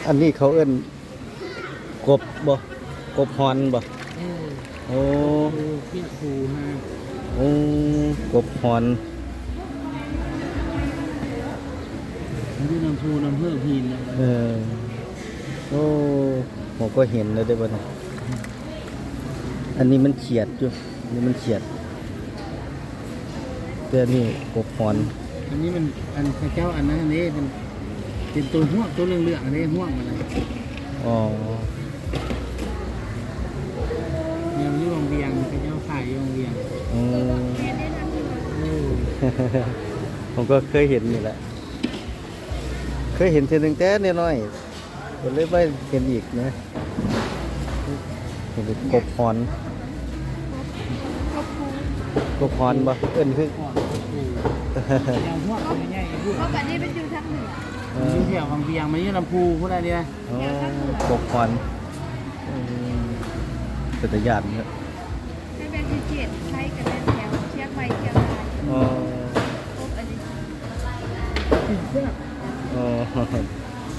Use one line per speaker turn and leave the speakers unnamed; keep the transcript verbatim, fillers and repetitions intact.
อันนี้เขาเอิ้นกบบ่กบฮอนบ่
เออ
โอ้
ครูพี่ครูฮะ
โอ้กบฮอน
มันอยู่น้ำพูน้ำเพื่อพินนะ
เออโอ้ผมก็เห็นแล้วได้บ่นะอันนี้มันเฉียดอยู่อันนี้มันเฉียดแต่นี่กบฮอน
อันนี้มันอันพระเจ้าอันนั้นอันนี้เป็นเป็นตัวห่วงตัวเรื่องๆอันนี้ห่วงอะไร
อ๋อ
เนี่ยมันอยู่โรงเรียนพระเจ้าขายอยู่โรงเรียน
อืมผมก็เคยเห็นนี่แหละเคยเห็นเท่านึงแต่น้อยๆก็เลยไม่เห็นอีกนะเห็นกบฮอนกบฮอนบ่เอิ้นคือ
อย่างห่วงตัวใหญ่ๆห่วง
เพราะแบบนี้เป็นอยู่ทางเหนือ
อยู่แถวบางเบียงมันอยู่ลำพูพูดอะไรเนี่ย
กบฮอนเป็นตะยานเนี่ย
ให้เป็นที่เจ็ดใช้กันแถวเชียงใหม่เชียงราย
อ๋อ
พบอันนี้
ติดเสื้อ
อ๋อ